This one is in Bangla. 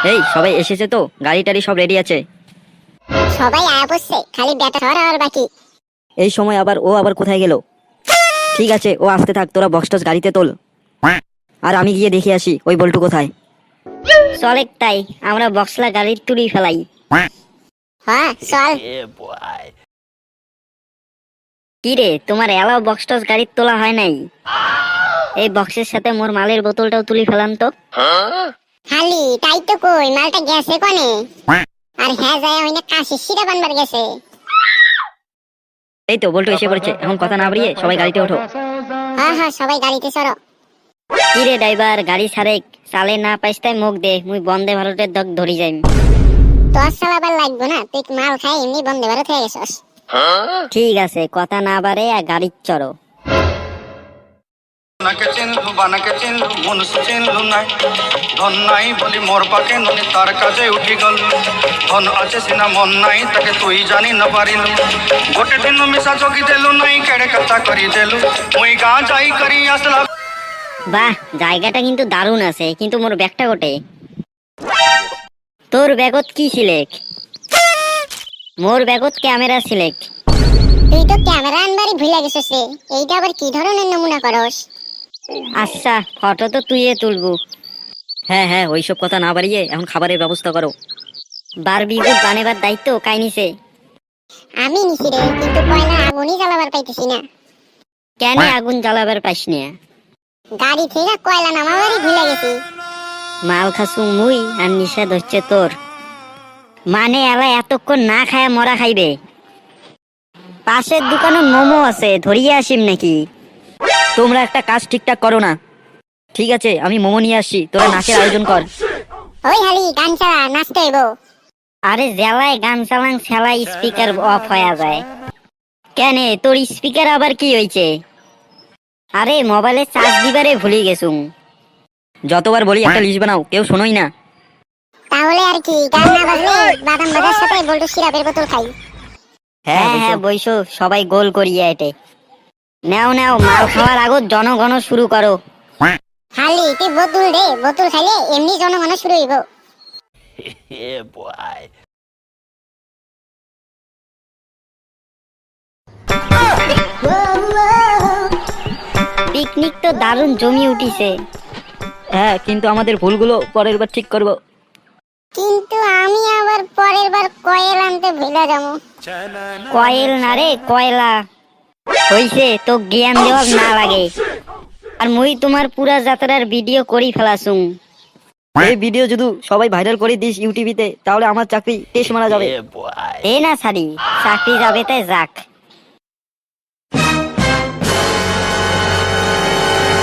এই সবাই এসেছে তো? গাড়ি টাড়ি সব রেডি আছে? সবাই আয়া পড়ছে, খালি ব্যাটা ধরা আর বাকি। এই সময় আবার ও আবার কোথায় গেল? ঠিক আছে, ও আসতে থাক, তোরা বক্স টক্স গাড়িতে তোল, আর আমি গিয়ে দেখে আসি ওই বল্টু কোথায়। চলে তাই আমরা বক্সলা গাড়ির তুলি ফেলাই। হ্যাঁ চল। কি রে, তোমার এলাও বক্স টক্স গাড়ির তোলা হয় নাই? এই বক্সের সাথে মোর মালের বোতলটাও তুলি ফেলাম তো। খালি তাই তো কই, মালটা গেছে কোনে? আর হ্যাঁ যায় হইনা কাশি সিরা বানবার গেছে। এই তো বল্টু এসে পড়েছে, এখন কথা না বাড়িয়ে সবাই গাড়িতে ওঠো। হ্যাঁ হ্যাঁ সবাই গাড়িতে চড়ো। কি রে ড্রাইভার, গাড়ি ছাড়েক, চালে না পাইস্তাই মুখ দে, মুই বন্দে ভারতের দক ধরি যাইম। তোর চালাবার লাগবো না, তুই মাল খাই এমনি বন্দে ভারত হয়ে গেছস। ঠিক আছে, কথা না বাড়ে আর গাড়ির চড়ো। নাকে চিনলু বানাকে চিনলু মনুষ চিনলু নাই ধন নাই বলি মোর পাকে ননি তার কাজে উঠি গল ধন আছে সিনা মন নাই তাকে তুই জানি না পারিলু গোটে দিন মিশা চকি দেলু নাই কেড়ে কথা করি দেলু মুই গা যাই করি আসলা। বাহ, জায়গাটা কিন্তু দারুণ আছে, কিন্তু মোর ব্যাগটা গোটে। তোর ব্যাগত কি সিলেক? মোর ব্যাগত ক্যামেরা সিলেক। তুই তো ক্যামেরা আনবারই ভুলে গেছস রে, এইটা আবার কি ধরনের নমুনা করস? আচ্ছা, ফটো তো তুইয়ে তুলবু। হ্যাঁ হ্যাঁ, ওইসব কথা না বাড়িয়ে এখন খাবারের ব্যবস্থা করো। বারবিকিউ বানাবার দায়িত্ব কাই নিছে? আমি নিছি রে, কিন্তু কয়লা আগুনই জ্বালাবার পাইতেছি না। কেন আগুন জ্বালাবার পাইস না? গাড়ি থেকে কয়লা নামাবারই ভুলে গেছি। মাল খাসু মুই আর নিষেধ হচ্ছে তোর। মানে এলা এতক্ষণ না খায় মরা খাইবে? পাশের দোকানে মোমো আছে, ধরিয়ে আসিম নাকি? তোমরা একটা কাজ ঠিকঠাক করো না। ঠিক আছে, আমি মোমো নিয়ে আসছি, তোরা নাচের আয়োজন কর। ওই হালি গান চালা, নাচতে হইব। আরে জেলায় গান চালাং সেলাই স্পিকার অফ হয়ে যায়। কেন, তোর স্পিকার আবার কি হয়েছে? আরে মোবাইলে চার্জ দিবারে ভুলে গেছুম। যতবার বলি একটা লিস্ট বানাও, কেউ শোনোই না। তাহলে আর কি, গান না বাজলে বাদাম বাজার সাথে বল্টু সিরাপের বোতল খাই। হ্যাঁ হ্যাঁ বইসো, সবাই গোল করিয়া এটে। নাও নাও, মাল খাওয়ার আগত জনগণ শুরু করো। হালি তুই বোতল দে, বোতল খাইলে এমনি জনগণ শুরু হইব। পিকনিক তো দারুণ জমি উঠিছে। হ্যাঁ, কিন্তু আমাদের ভুলগুলো পরের বার ঠিক করবো। কিন্তু আমি আবার পরের বার কয়েল আনতে ভুলে যাবো। কয়েল না রে, কয়লা। হইছে, তো জ্ঞান দেওয়া না লাগে। আর মুই তোমার পুরা যাত্রার ভিডিও করি ফেলাছুম। এই ভিডিও যদি সবাই ভাইরাল করে দিস ইউটিউবিতে, তাহলে আমার চাকরি টেস মারা যাবে। এ না সারি, চাকরি যাবে তাই যাক।